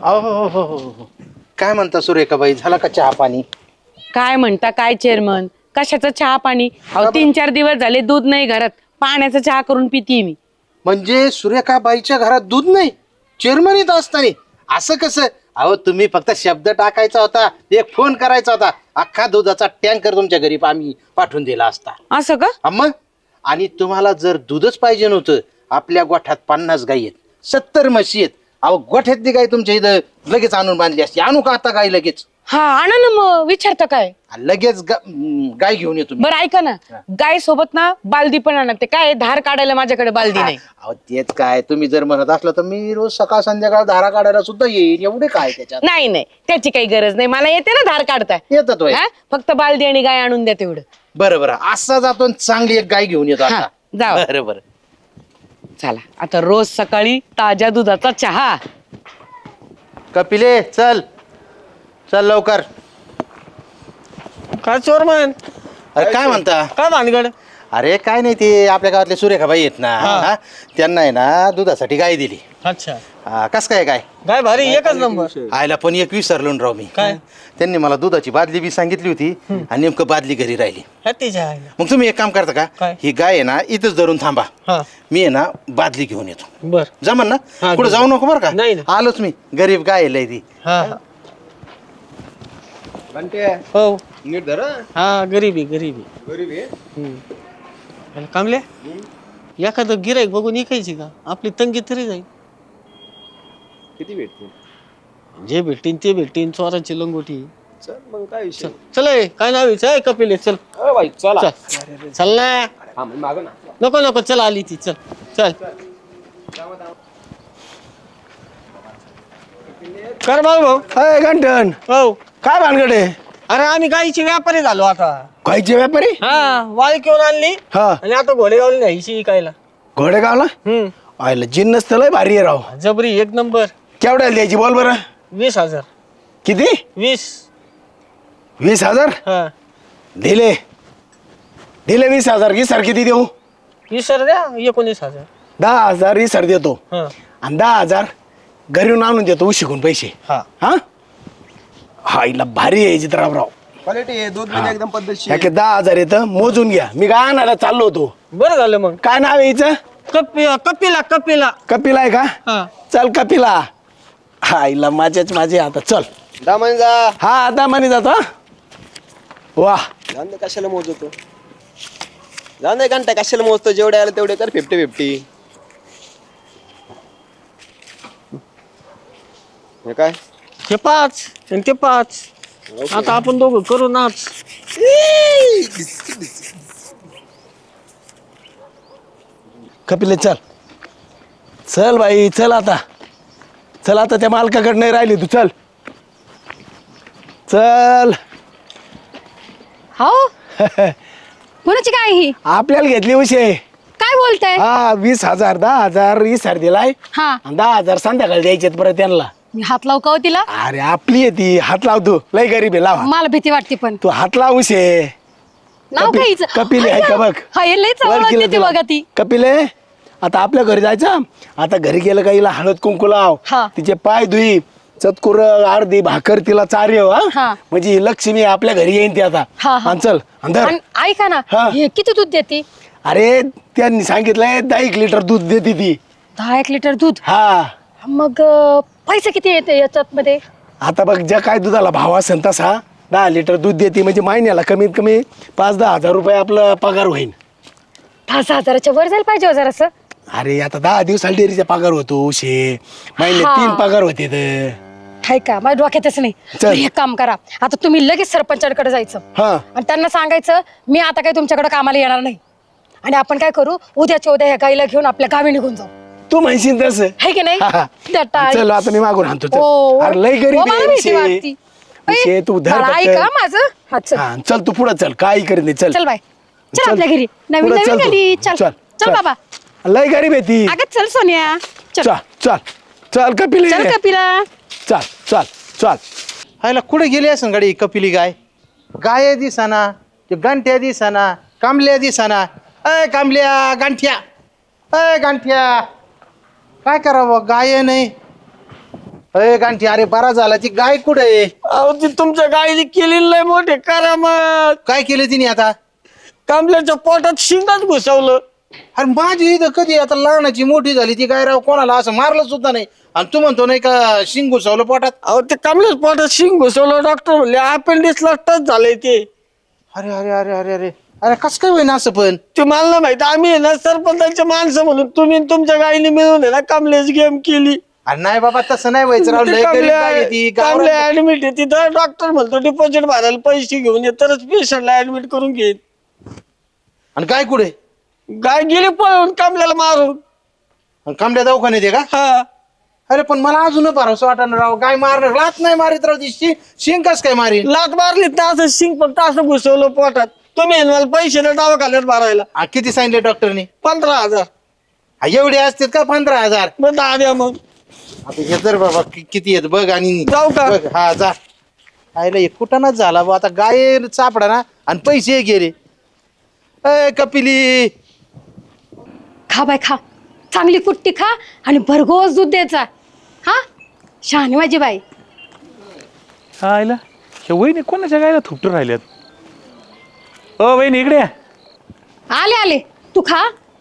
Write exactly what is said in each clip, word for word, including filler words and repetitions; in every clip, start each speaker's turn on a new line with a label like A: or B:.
A: अहो हो हो हो हो. काय म्हणता सुरेखाबाई, झाला का चहा पाणी?
B: काय म्हणता काय चेअरमन, कशाचा चहा पाणी? अहो तीन चार दिवस झाले दूध नाही घरात, पाण्याचा चहा करून पितीये मी.
A: म्हणजे सुरेखाबाईच्या घरात दूध नाही? चेअरमन येत असताना असं कसं? अहो तुम्ही फक्त शब्द टाकायचा होता, एक फोन करायचा होता, अख्खा दुधाचा टँकर तुमच्या घरी आम्ही पाठवून दिला असता.
B: असं का?
A: हा मग. आणि तुम्हाला जर दूधच पाहिजे नव्हतं, आपल्या गोठ्यात पन्नास गाई आहेत, सत्तर म्हशी आहेत. अहो गोठ्यातली गाय तुमच्या इथं लगेच आणून बांधली असती. आणू का आता गाय लगेच?
B: हा आणा ना, मग विचारता काय?
A: लगेच गा- हम्म, गाय घेऊन येतो मी.
B: बरं ऐका ना, गाय सोबत ना बालदी पण आणा. ते काय धार काढायला माझ्याकडे बालदी नाही.
A: अहो तेच काय, तुम्ही जर म्हणत असलं तर मी रोज सकाळ संध्याकाळ धारा काढायला सुद्धा येईल. एवढे काय त्याच्यात?
B: नाही नाही, त्याची काही गरज नाही, मला येते ना धार काढता.
A: येतात होय.
B: हा? फक्त बालदी आणि गाय आणून द्या तेवढं.
A: बरं बरं, असा जातो आणि चांगली एक गाय घेऊन येतो
B: हा,
A: आता.
B: जावा.
A: बरं बरं.
B: चला आता रोज सकाळी ताज्या दुधाचा चहा.
A: कपिले चल चल लवकर.
C: काय चोरमन?
A: अरे काय म्हणता?
C: काय भानगड?
A: अरे काय नाही, ते आपल्या गावातले सुरेखाबाई आहेत ना,
C: हा.
A: हा? त्यांना आहे ना दुधासाठी गाय दिली.
C: अच्छा,
A: हा, कस काय गाय?
C: काय भारी, एकच नंबर.
A: आयला पण एक विसरलो ना राव मी.
C: काय?
A: त्यांनी मला दुधाची बादली बी सांगितली होती आणि नेमकं बादली घरी राहिली.
C: हत्तीच्या आहे.
A: मग तुम्ही एक काम करता का,
C: काय?
A: ही गाय आहे ना इथंच धरून थांबा,
C: हा
A: मी आहे ना बादली घेऊन येतो.
C: बर.
A: जमन ना?
C: हा,
A: कुठं जाऊ नको बरं का?
C: नाही, नाही.
A: आलोच मी, गरीब गाय आहे लय ती.
C: हा हो
D: नीट धरा.
C: हा, गरीबी गरीबी
D: गरीब आहे.
C: हम्म. कामले एखादं गिराईक बघून इकायची का? आपली तंगी तरी जाईल.
D: किती भेटते?
C: जे भेटतीन ते भेटतीन, चोराची लंगोटी.
D: चल मग काय विषय?
C: चल ए, काय नाव आहे? चल कपिल आहे, चल
D: अ बाई चला.
C: चल चल ना.
D: हा मग मागं ना.
C: नको नको, चल आली ती, चल चल. कर भाऊ भाऊ.
E: अय गंठन,
C: हो.
E: काय भानगड आहे?
C: अरे आम्ही गाईचे व्यापारी झालो आता.
E: गायचे व्यापारी?
C: हा, वाळी घेऊन आणली
E: हा.
C: आणि आता घोडेगावला न्यायची इकायला.
E: घोडेगावला
C: हम्म.
E: आयला जिन्नस तर लय भारी आहे राव.
C: जबरी एक नंबर.
E: केवढ्याला द्यायची बोल बरं?
C: वीस हजार.
E: किती?
C: वीस.
E: वीस हजार
C: हा,
E: दिले. दिले वीस हजार. इसर किती देऊ?
C: वीस हजार द्या, एकोणीस हजार.
E: दहा हजार इसर देतो
C: हा
E: आणि दहा हजार घरी आणून देतो शिकून पैसे.
C: हा.
E: हा हा इला भारी आहे चित्रावराव.
D: क्वालिटी आहे, दूध म्हणजे एकदम पद्धतशीर.
E: याके दहा हजार येतं, मोजून घ्या. मी काय आणायला चाललो होतो.
C: बरं झालं मग.
E: काय नाव आहे हिचं?
C: कपि कपिला कपिला.
E: कपिला आहे का?
C: हा.
E: चल कपिला. हा इला माझ्याच माझे आता चल.
D: दामन जा.
E: हा आता म्हणे जातो. हा? वा
D: जाऊन दे, कशाला मोजतो? जाऊन दे घंटा, कशाला मोजतो? जेवढे आले तेवढे कर. Fifty fifty. हे काय?
C: हे पाच आणि ते पाच. आता आपण दोघं करू नाच.
E: कपिले चल. चल बाई चल आता. चल आता त्या मालकाकडे नाही राहिली तू. चल चल.
F: हो कोणाची काय ही?
E: आपल्याला घेतली उशे.
F: काय बोलताय?
E: हा वीस हजार दहा हजार इसर दिलाय
F: हा
E: आणि दहा हजार संध्याकाळी द्यायचे परत त्यांना.
F: मी हात लावू का हो तिला?
E: अरे आपली आहे ती. हात लाव तू. लय गरीब आहे. लाव हात.
F: मला भीती वाटते पण.
E: तू हात लाव उशे.
F: नाव
E: कपि-
F: काय हिचं?
E: कपिले आहे का बघ?
F: हा हे लय चावळत
E: ओळखीला
F: देते
E: तुला.
F: बघा ती.
E: कपिले आता आपल्या घरी जायचं. आता घरी गेलं का हिला हळद कुंकू लाव.
F: हा.
E: तिचे पाय धुई. चतकुर अर्धी भाकर तिला चार्य
F: हा.
E: हा म्हणजे ही लक्ष्मी आपल्या घरी येईन ती आता.
F: हा, हा.
E: आणि चल अंदर.
F: आणि ऐका ना,
E: हा.
F: हे किती दूध देते?
E: अरे त्यांनी सांगितलंय दहा एक लिटर दूध देते ती.
F: दहा एक लिटर दूध.
E: हा
F: मग अं, पैसे किती येते याच्यात मध्ये?
E: आता बघ ज्या काय दुधाला भाव असेल तसा दहा लिटर दूध देते म्हणजे महिन्याला कमीत कमी पाच दहा हजार रुपये आपला पगार होईल.
F: दहा सहा हजाराच्या वर जायला पाहिजे जरा असं.
E: अरे आता दहा दिवसाला डेअरीचा पगार होतो शे. महिने
F: हा.
E: तीन पगार होते तर.
F: हाय का? माझ्या डोक्यातच नाही.
E: चल.
F: हे काम करा, आता तुम्ही लगेच सरपंचाकडे जायचं
E: हा
F: आणि त्यांना सांगायचं मी आता काही तुमच्याकडे कामाला येणार नाही आणि आपण काय करू, उद्याच्या उद्या ह्या गाईला घेऊन आपल्या गावी निघून जाऊ.
E: तू म्हणशील तसं.
F: है की नाही?
E: हा, हा.
F: त्या टाळी.
E: चल आता मी मागून आणतो. चल.
F: हो.
E: अरे लय
F: हो,
E: गरीब
F: मला
E: आहे
F: भीती
E: विषय.
F: वाटती.
E: विषय तू धर
F: बाळा,
E: फक्त.
F: ऐका माझं. हा चल.
E: हा, चल तू पुढे चल. काही करीत नाही. चल
F: चल बाय. चल
E: चल.
F: आपल्या घरी. नवीन
E: पुढं
F: नवीन
E: चल तू.
F: गली. चल
E: चल,
F: चल
E: चल.
F: बाबा.
E: लय गरीब आहे ती.
F: अगं चल सोनिया. चल
E: चल चल चल कपिल.
F: चल कपिला.
E: चल चल चल.
A: हायला कुठे गेली असं गाडी कपिली गाय? गाय दिसाना, ते गांठ्या दिसाना, कांबल्या दिसाना. अय कांबल्या, गांठ्या, अय गांठ्या, काय करावं? गाय नाही. अरे गांठी अरे बरा झाला ती गाय कुठे आहे?
C: अहो ती तुमच्या गाईने केलेली लय मोठे करामत.
A: काय केलं तिने आता?
C: कांबल्याच्या पोटात शिंगाच घुसवलं.
A: अरे माझी इथं कधी आता लहानाची मोठी झाली ती गाय राव कोणाला असं मारलं सुद्धा नाही आणि तू म्हणतो नाही का शिंग घुसवलं पोटात?
C: अहो ते कांबल्याच्या पोटात शिंग घुसवलं. डॉक्टर म्हणले अपेंडिक्सला टच झालंय ते.
A: अरे अरे अरे अरे अरे अरे कसं काय होईना असं पण?
C: ते मला नाही माहिती. आम्ही आहे ना सरपंचाचे माणसं म्हणून तुम्ही आणि तुमच्या गाईने मिळून आहे ना कांबल्याची गेम केली.
A: अरे नाही बाबा तसं नाही व्हायचं राव, लय गरीब गाय आहे ती गावाला.
C: ऍडमिट आहे तिथं. डॉक्टर म्हणतो डिपॉझिट भरायला पैसे घेऊन ये तरच पेशंटला ऍडमिट करून घेईन.
A: आणि गाय कुठे?
C: गाय गेली पळून कांबल्याला मारून.
A: आणि कांबड्या दवाखान्यात आहे का?
C: हा
A: अरे पण मला अजून भरोसा वाटणार राव, गाय मारणार लात नाही मारित राव ती शि- शिंग कस काय मारी?
C: लात मारली तर असं शिंग फक्त असं घुसवलं पोटात. तुम्ही आहे ना मला पैसे ना डावा खाल्यात भरायला.
A: आ, किती सांगितले डॉक्टरने?
C: पंधरा हजार
A: आ, एवढे असतात का पंधरा हजार?
C: मग दहा द्या मग.
A: आता हे तर बाबा कि- किती येत बघ आणि
C: जाऊ का?
A: बघ, हा जा. आयला एक कुठानाच झाला बा आता गाय चापडा ना आणि पैसे गेले. अय कपिली
F: खा बाय खा, चांगली कुट्टी खा आणि भरघोस दूध द्यायचा. हा शहाणी माझी बाई.
G: हा आईला हे वहिनी कोणाच्या गायला थुपटून राहिल्यात? ओ वहिनी इकडे या.
F: आले आले, तू खा.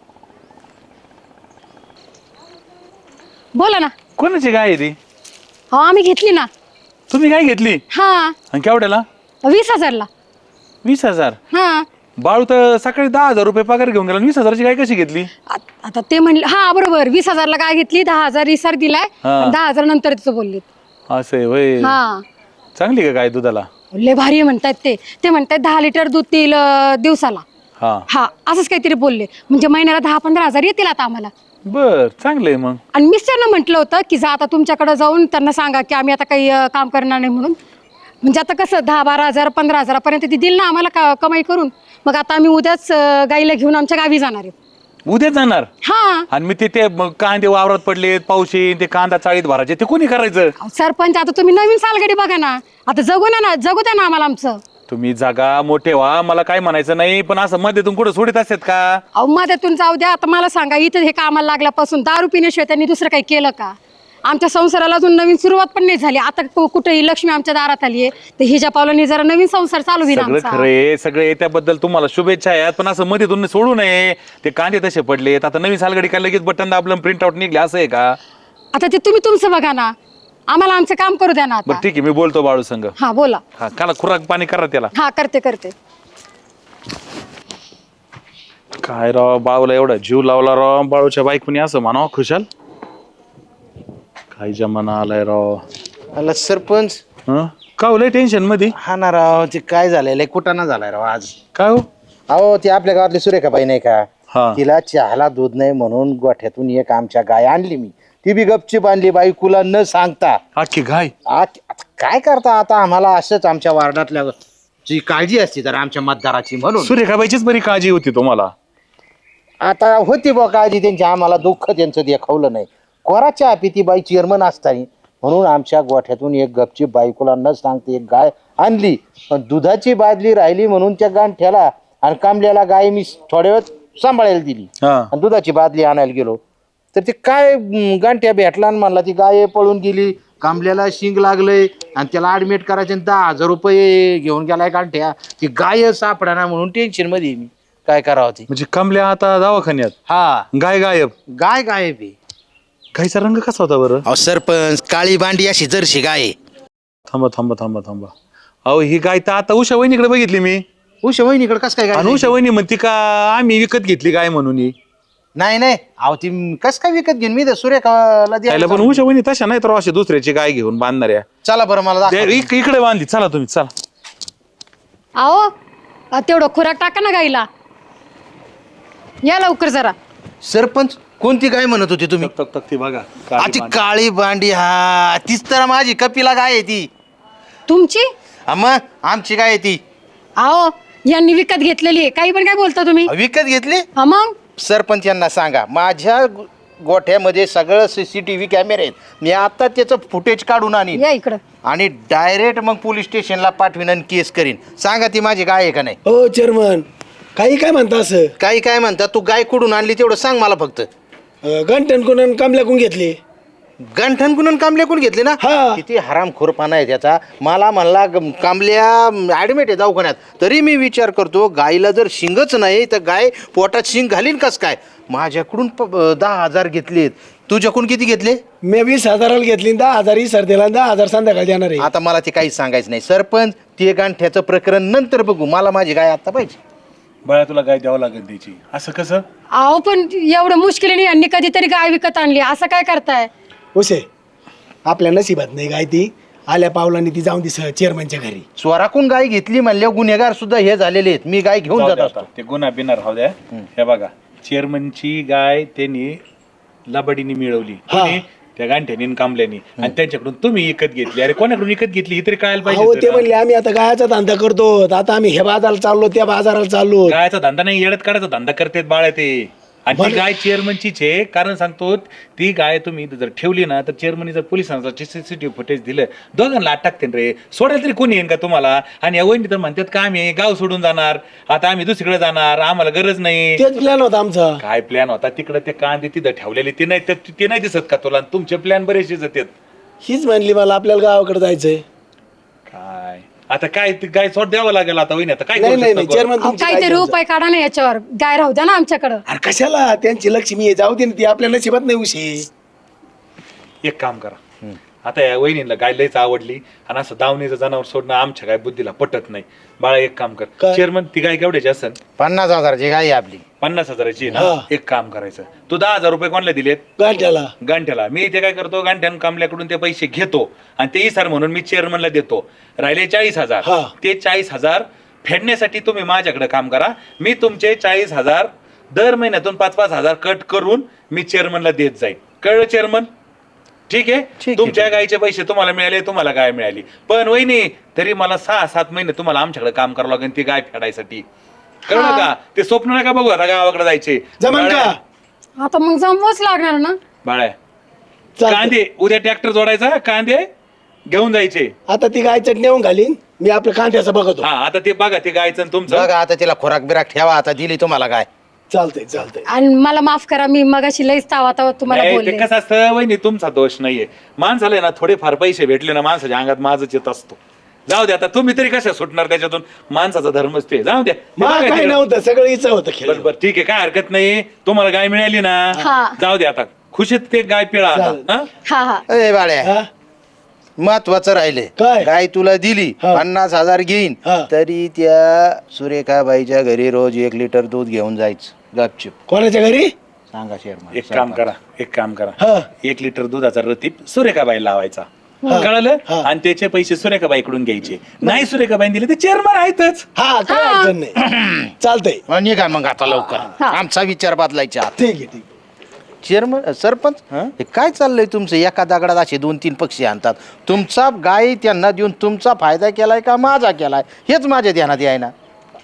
F: बोला ना.
G: कोणाची गाय आहे ती?
F: हो आम्ही घेतली ना.
G: तुम्ही काय घेतली
F: हा
G: आणि केवढ्याला?
F: वीस हजारला.
G: वीस हजार?
F: हा
G: बाळू तर सकाळी दहा हजार रुपये पगार घेऊन गेला. वीस हजाराची गाय कशी घेतली?
F: आ- आता ते म्हणले हा बरोबर, वीस हजारला काय घेतली, दहा हजार इसार दिलाय
G: हा.
F: आणि दहा हजार नंतर तिचं बोलली.
G: असं आहे होय.
F: हा
G: चांगली का गाय दुधाला?
F: लय भारी आहे म्हणतात ते. ते म्हणतात दहा लिटर दूध देईल अं, दिवसाला.
G: हा
F: हा असंच काहीतरी बोलले. म्हणजे महिन्याला दहा पंधरा हजार येतील आता आम्हाला.
G: बर चांगलं आहे मग.
F: आणि मिस्टरनं म्हटलं होतं की जा आता तुमच्याकडे जाऊन त्यांना सांगा की आम्ही आता काही अं, काम करणार नाही म्हणून. म्हणजे आता कसं दहा बारा हजार पंधरा हजारापर्यंत ती दिल ना आम्हाला का कमाई करून. मग आता आम्ही उद्याच अं, गाईला घेऊन आमच्या गावी जाणार आहे.
G: उद्या जाणार?
F: हा
G: आणि मी ते ते मग कांदे वावरात पडलेत, पाऊस येईन, ते कांदा चाळीत भरायचे, ते कोणी करायचं?
F: अहो, सरपंच आता तुम्ही नवीन सालगडी बघा ना. आता जगू ना ना जगू द्या ना आम्हाला आमचं.
G: तुम्ही जागा मोठे व्हा, मला काय म्हणायचं नाही, पण असं मध्येतून कुठं सोडित असतात का?
F: अहो मध्यातून जाऊ द्या. आता मला सांगा, इथं हे कामाला लागल्यापासून दारू पिण्याशिवाय त्यांनी दुसरं काही केलं का? आमच्या संसाराला अजून नवीन सुरुवात पण नाही झाली. आता कु- कुठेही लक्ष्मी आमच्या दारात आली आहे तर हिच्या पावलांनी जरा नवीन संसार चालू होईल
G: सगळं
F: आमचा.
G: खरंय, सगळे त्याबद्दल तुम्हाला शुभेच्छा आहेत, पण असं मध्ये तुम्ही सोडू नये. ते कांदे तसे पडलेत, आता नवीन सालगडी काय लगेच बटन दाबलं प्रिंट आउट निघले असं आहे का?
F: आता ते तुम्ही तुमचं बघा ना, आम्हाला आमचं काम करू द्या ना
G: बरं
F: आता.
G: ठीक आहे, मी बोलतो बाळू संघ.
F: हा बोला.
G: हा काला खुराक पाणी करा त्याला.
F: हा करते करते.
G: काय राव, बाळूला एवढा जीव लावला राव, बाळूच्या बायकोनी असं म्हणावं खुशाल. काय जमाना आलाय राव.
A: आला सरपंच.
G: हं? का हो लय टेन्शन मध्ये?
A: हा ना राव, ते काय झालंय लय कुठाना झालाय राव आज.
G: काय हो?
A: अहो ती आपल्या गावातली सुरेखाबाई नाही का,
G: हा.
A: तिला चहाला दूध नाही म्हणून गोठ्यातून एक आमच्या गाय आणली मी. ती बी गपचीप आणली बायकोला न सांगता.
G: अख्खी गाय?
A: आ- आता काय करता, आता आम्हाला असंच आमच्या वार्डातल्या जी काळजी असते तर आमच्या मतदाराची म्हणून.
G: सुरेखाबाईचीच बरी काळजी होती तुम्हाला.
A: आता होती बा काळजी त्यांची, आम्हाला दुःख त्यांचं दाखवलं नाही. कोराच्या आपी ती बाई चेअरमन असतानी म्हणून आमच्या गोठ्यातून एक गपची बायकोला न सांगते एक गाय आणली. पण दुधाची बादली राहिली म्हणून त्या गांठ्याला आणि कांबल्याला गाय मी थोड्या वेळ सांभाळायला दिली
G: हा.
A: आणि दुधाची बादली आणायला गेलो तर ते काय अं, गांठ्या भेटला आणि म्हणला ती गाय पळून गेली, कांबल्याला शिंग लागलंय आणि त्याला ऍडमिट करायचे आणि दहा हजार रुपये घेऊन गेलाय गांठ्या. ती गाय सापडाना म्हणून टेन्शन मध्ये आहे मी. काय करावं ती.
G: म्हणजे कमल्या आता दवाखान्यात,
A: हा
G: गाय गायब?
A: गाय गायब आहे.
G: गायचा रंग कसा होता बरं?
A: अहो सरपंच, काळी बांडी अशी जर्शी गाय आहे.
G: थांबा थांबा थांबा थांबा. अहो ही गाय तर आता उषा वहिनीकडे बघितली मी.
A: उषा वहिनीकडे कस काय
G: आणि
A: गाय?
G: उषा वहिनी म्हणते का आम्ही विकत घेतली गाय म्हणून ही.
A: नाही नाही, अहो ती कस काय विकत घेऊन मी तर सूर्यकाला
G: त्याला पण
A: द्यायला.
G: उषा वहिनी तशा नाही तर अशी दुसऱ्याची गाय घेऊन बांधणाऱ्या.
A: चला बरं मला
G: ते
A: दाखवा.
G: इक- इकडे बांधली, चला तुम्ही चला.
F: अहो अ, तेवढं खुराक टाका ना गाईला. या लवकर जरा.
A: सरपंच कोणती गाय म्हणत होती तुम्ही?
G: ती बघा
A: आ, ती काळी बांडी, हा तीच तर माझी कपिला गाय आहे ती.
F: तुमची?
A: हा, मग आमची गाय आहे ती.
F: अहो यांनी विकत घेतलेली आहे. काही पण काय बोलता तुम्ही?
A: विकत घेतली?
F: हा मग
A: सरपंच यांना सांगा, माझ्या गो- गोठ्यामध्ये सगळं सीसीटीव्ही कॅमेरे आहेत. मी आता त्याचं फुटेज काढून आणीन
F: या इकडं.
A: आणि डायरेक्ट मग पोलीस स्टेशनला पाठवीन आणि केस करीन. सांगा ती माझी गाय आहे का नाही?
E: हो चेअरमन, काही काय म्हणता असं?
A: काही काय म्हणता, तू गाय कुठून आणली तेवढं सांग मला फक्त.
E: घंटन कोण कामल्याकून घेतली?
A: गंठन कुणून कामल्या कोण घेतले ना
E: हा.
A: किती हरामखोरपणा आहे त्याचा. मला म्हणला ग- कामल्या ऍडमिट आहे दवाखान्यात, तरी मी विचार करतो गायला जर शिंगच नाही तर गाय पोटात शिंग घालीन कस काय. माझ्याकडून प- दहा हजार घेतलेत, तुझ्याकडून किती घेतले?
E: मी वीस हजाराला घेतली आणि दहा हजार ही सर दिला दहा हजार संध्याकाळी देणार आहे.
A: आता मला ते काहीच सांगायचं नाही. सरपंच ते गांठ्याचं प्रकरण नंतर बघू, मला माझी गाय आता पाहिजे.
G: बाळा तुला गाय द्यावं लागेल त्याची. असं कसं?
F: अहो पण एवढं मुश्किलीने यांनी कधीतरी गाय विकत आणली, असं काय करताय?
E: उशे आपल्या नशिबात नाही गाय ती, आल्या पावलांनी ती जाऊन ती चेअरमनच्या घरी.
A: चोराकून गाय घेतली म्हणल्यावर गुन्हेगार सुद्धा हे झालेले आहेत. मी गाय घेऊन
G: जाऊ
A: जात
G: द्या
A: असतो.
G: आता. ते गुन्हा बिना राहू द्या. हे बघा, चेअरमनची गाय त्यांनी लबाडीने मिळवली, कोणी? त्या गांठ्यानी आणि कांबल्यानी, आणि त्यांच्याकडून तुम्ही विकत घेतली. अरे कोणाकडून विकत घेतली ही तरी कळायला
E: अहो
G: पाहिजे
E: ते
G: ना.
E: म्हणले आम्ही आता गायाचा धंदा करतो, आता आम्ही हे बाजाराला चाललो त्या बाजाराला चाललो.
G: गायचा धंदा नाही, येडत काढायचा धंदा करतेत बाळ ते. आणि ती
E: बरं.
G: गाय चेअरमनचीच आहे. कारण सांगतो, ती गाय तुम्ही इथं जर ठेवली ना तर चेअरमनी जर पोलिसांचा सीसीटीव्ही फुटेज दिलं, दोघांना आत टाकते रे. सोडायला तरी कोणी येईन का तुम्हाला? आणि या वहिनी तर म्हणतात का आम्ही गाव सोडून जाणार, आता आम्ही दुसरीकडे जाणार, आम्हाला गरज नाही.
E: तेच प्लॅन होता आमचा.
G: काय प्लॅन होता तिकडे? ते कांदे तिथं ठेवलेले ते नाही ते- ते नाही दिसत का तुला? तुमचे प्लॅन बरेचसे जातात.
E: हीच म्हणली मला आपल्याला गावाकडे जायचंय.
G: काय आता काय ते गाय सोड द्यावं लागेल आता वहिनी. आता काय
E: नाही
G: करू
E: नाही
G: शकतो
E: नाही
G: गं?
E: चेअरमन
F: अहो,
E: तुमची गाय
F: काहीतरी
E: घेऊन जा.
F: उपाय काढा ना याच्यावर, गाय राहू द्या ना आमच्याकडं.
E: अरे कशाला, त्यांची लक्ष्मी आहे, जाऊ दे ना, ती आपल्या नशिबात नाही उशी.
G: एक काम करा, आता या वहिनीला गाय लयच आवडली आणि असं दावणीचं जनावर सोडणं आमच्या काय बुद्धीला पटत नाही. बाळा एक काम कर,
E: काय?
G: चेअरमन ती गाय केवढ्याची असेल?
A: पन्नास हजाराची गाय आहे आपली.
G: पन्नास हजाराची आहे
E: हा.
G: ना. एक काम करायचं, तू दहा हजार रुपये कोणाला दिलेत?
E: गाठ्याला.
G: गांठ्याला. मी ते काय करतो, गांठ्यान कामल्याकडून ते पैसे घेतो आणि ते सर म्हणून मी चेअरमनला देतो. राहिले चाळीस हजार.
E: हा.
G: ते चाळीस हजार फेडण्यासाठी तुम्ही माझ्याकडे काम करा. मी तुमचे चाळीस हजार दर महिन्यातून पाच पाच हजार कट करून मी चेअरमनला देत जाईल. कळलं चेअरमन? ठीक आहे.
A: आहे,
G: तुमच्या गायचे पैसे तुम्हाला मिळाले, तुम्हाला गाय मिळाली. पण वहिनी तरी मला सहा सात महिने तुम्हाला आमच्याकडे काम करावं लागेल ती गाय फेडायसाठी. कळलं का? ते स्वप्न नका बघू आता गावाकडे जायचे.
E: जमन का?
F: आता मग जमवच लागणार ना.
G: बाळ्या
E: चालतंय.
G: कांदे उद्या ट्रॅक्टर जोडायचा, कांदे घेऊन जायचे.
E: आता ती गाय चटणी घालीन, मी आपल्या कांठ्याचं बघतो.
G: हा आता ते बघा ते गायचं आणि तुमचं.
A: बघा आता तिला खोराक बिराक ठेवा. आता दिली तुम्हाला गाय.
E: चालतंय चालतंय.
F: आणि मला माफ करा, मी मगाशी लईच तावा तावा तुम्हाला
G: नाही,
F: बोलले.
G: ते कसं असतं वहिनी, तुमचा दोष नाहीये. माणसाला आहे ना थोडेफार पैसे भेटले ना माणसाच्या अंगात माझच येत असतो. जाऊ द्या आता, तुम्ही तरी कशा सुटणार त्याच्यातून? माणसाचा धर्मच ते. जाऊ द्या. ते
E: मला
G: बघा
E: काय
G: तिकडं.
E: नव्हतं, सगळं इच्छा होतं खेळ.
G: बरं बरं ठीक आहे, काय हरकत नाही. तुम्हाला गाय मिळाली ना,
F: हा.
G: जाऊ द्या आता. खुशीत ते गाय पिळा आता.
E: चालेल.
G: हा?
F: हा हा.
A: अरे बाळ्या,
E: हा?
A: महत्वाचं राहिले.
E: काय?
A: गाय तुला दिली,
E: हा.
A: पन्नास हजार घेईन,
E: हा.
A: तरी त्या सुरेखाबाईच्या घरी रोज एक लिटर दूध घेऊन जायचं गपचिप.
E: कोणाच्या घरी?
A: सांगा शेअरमन.
G: एक काम करा, एक काम
E: हा.
G: करा, एक लिटर दुधाचा रतीप सुरेखाबाई लावायचा. कळलं?
E: हा.
G: आणि त्याचे पैसे सुरेखाबाईकडून घ्यायचे. नाही सुरेखाबाई दिले ते चेअरमन आहेतच.
E: हा काय अडचण नाही. चालतंय.
A: मग निघा मग आता लवकर.
F: हा.
A: आमचा विचार बदलायचा.
E: ठीक आहे ठीक आहे.
A: चेअरमन सरपंच, हे काय चाललंय तुमचं? एका दगडात असे दोन तीन पक्षी आणतात. तुमचा गाय त्यांना देऊन तुमचा फायदा केलाय का माझा केलाय हेच माझ्या ध्यानात आहे ना.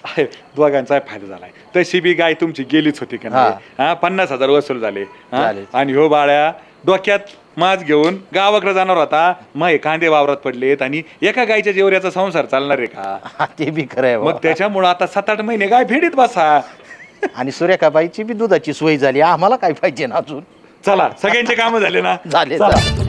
G: दोघांचा फायदा झालाय. तशी बी गाय तुमची गेलीच होती का नाही? हा, पन्नास हजार वसूल झाले. हा?
A: झाले.
G: आणि हो बाळ्या डोक्यात माज घेऊन गावाकडे जाणार होता, मग हे कांदे वावरात पडलेत आणि एका गायच्या जेवऱ्याचा संसार चालणार आहे का?
A: हा, ते बी खरं आहे
G: मग
A: बुवा.
G: त्याच्यामुळं आता सात आठ महिने गाय फेडीत बसा.
A: आणि सुरेखाबाईची बी दुधाची सोय झाली. आम्हाला काय पाहिजे ना अजून?
G: चला सगळ्यांचे कामं झाले ना.
A: झाले
G: चला.
A: झाले.